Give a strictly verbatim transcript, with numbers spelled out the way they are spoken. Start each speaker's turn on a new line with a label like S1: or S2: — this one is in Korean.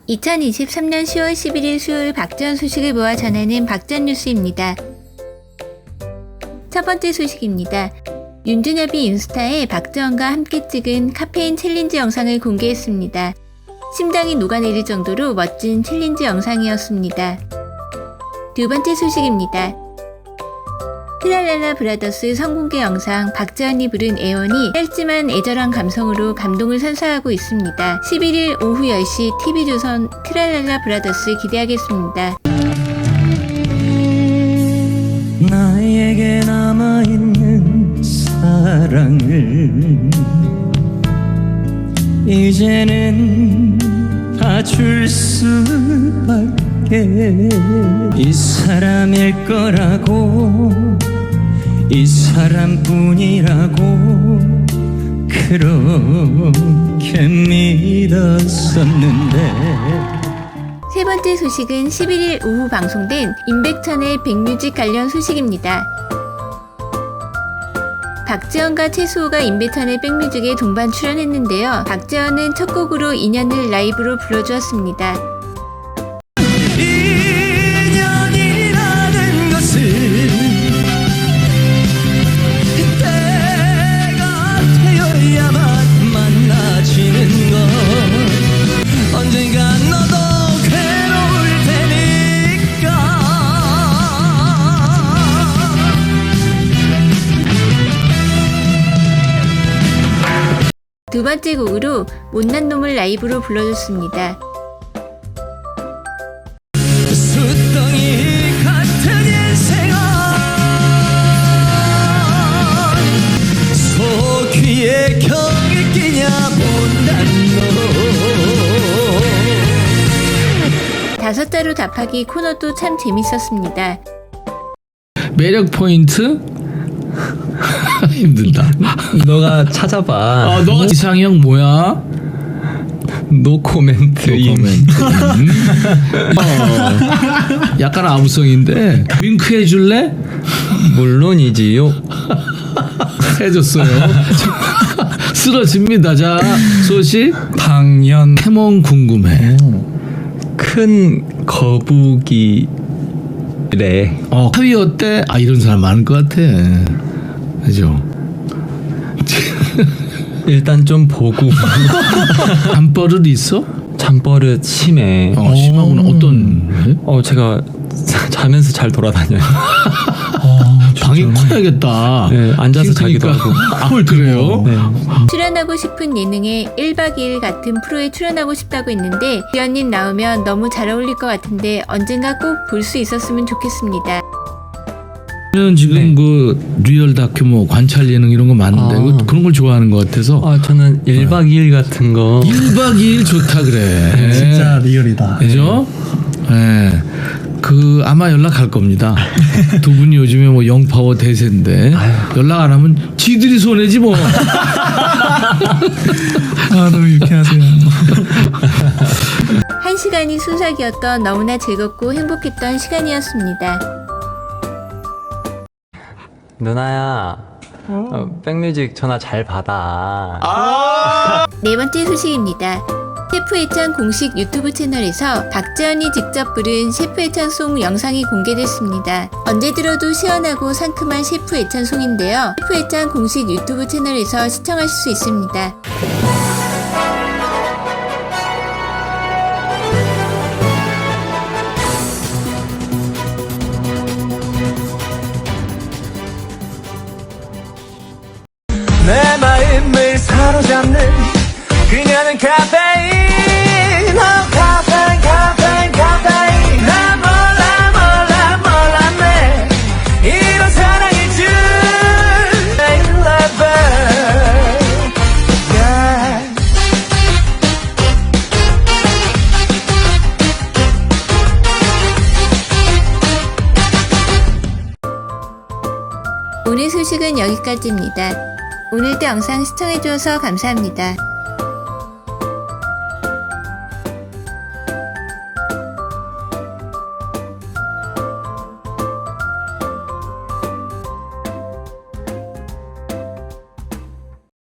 S1: 이천이십삼년 시월 십일일 수요일 박지원 소식을 모아 전하는 박지원 뉴스입니다. 첫 번째 소식입니다. 윤준엽이 인스타에 박지원과 함께 찍은 카페인 챌린지 영상을 공개했습니다. 심장이 녹아내릴 정도로 멋진 챌린지 영상이었습니다. 두 번째 소식입니다. 트랄랄라 브라더스 성공개 영상 박지원이 부른 애원이 짧지만 애절한 감성으로 감동을 선사하고 있습니다. 십일일 오후 열시 티비조선 트랄랄라 브라더스 기대하겠습니다.
S2: 나에게 남아있는 사랑을 이제는 다 줄 수밖에 이 사람일 거라고 이 사람뿐이라고 그렇게 믿었었는데.
S1: 세 번째 소식은 십일일 오후 방송된 임백천의 백뮤직 관련 소식입니다. 박지원과 최수호가 임백천의 백뮤직에 동반 출연했는데요. 박지원은 첫 곡으로 인연을 라이브로 불러주었습니다.
S2: 인연이라는 것을 때가 되어야만 만나지는 것 언젠가 너도 괴로울 테니까.
S1: 두 번째 곡으로 못난 놈을 라이브로 불러줬습니다.
S2: 숫덩이 같은 인생은 소귀에 경이 끼냐 못난 놈.
S1: 다섯 자로 답하기 코너도 참 재밌었습니다.
S3: 매력 포인트? 힘들다.
S4: 너가 찾아봐.
S3: 아, 너가 이상형 뭐야?
S4: 노 코멘트.
S3: 노 코멘트. 음. 어, 약간 아무성인데 윙크 해줄래?
S4: 물론이지요.
S3: 해줬어요. 쓰러집니다. 자, 소식.
S4: 당연.
S3: 태몽 궁금해.
S4: 큰 거북이래.
S3: 어, 하위 어때? 아, 이런 사람 많을 것 같아. 그죠?
S4: 일단 좀 보고.
S3: 잠버릇 있어?
S4: 잠버릇 심해.
S3: 어, 심하구나. 어떤?
S4: 어, 제가 자면서 잘 돌아다녀요.
S3: 방이 커야겠다.
S4: 네, 앉아서 자기도
S3: 그러니까.
S4: 하고.
S3: 아, 그래요?
S4: 네.
S1: 출연하고 싶은 예능에 일박 이일 같은 프로에 출연하고 싶다고 했는데 지연님 나오면 너무 잘 어울릴 것 같은데 언젠가 꼭 볼 수 있었으면 좋겠습니다.
S3: 저는 지금
S4: 네.
S3: 그 리얼 다큐 뭐 관찰 예능 이런 거 많은데
S4: 아.
S3: 그- 그런 걸 좋아하는 것 같아서
S4: 아, 저는 일박 이일 같은 거.
S3: 일박 이일 좋다 그래.
S5: 진짜 리얼이다.
S3: 그죠? 예. 네. 그 아마 연락할 겁니다. 두 분이 요즘에 뭐 영파워 대세인데 연락 안 하면 지들이 손해지 뭐.
S5: 아, 너무 유쾌하세요.
S1: 한 시간이 순삭이었던 너무나 즐겁고 행복했던 시간이었습니다.
S4: 누나야. 어, 백뮤직 전화 잘 받아.
S1: 네 번째 소식입니다. 셰프 애찬 공식 유튜브 채널에서 박지원이 직접 부른 셰프 애찬송 영상이 공개됐습니다. 언제 들어도 시원하고 상큼한 셰프 애찬송인데요. 셰프 애찬 공식 유튜브 채널에서 시청하실 수 있습니다.
S2: 내 마음을 사로잡는 그녀는 카페인. 어, 카페인 카페인 카페인. 나 몰라 몰라 몰랐네 이런 사랑일 줄. I love her. Yeah.
S1: 오늘 소식은 여기까지입니다. 오늘도 영상 시청해주셔서 감사합니다.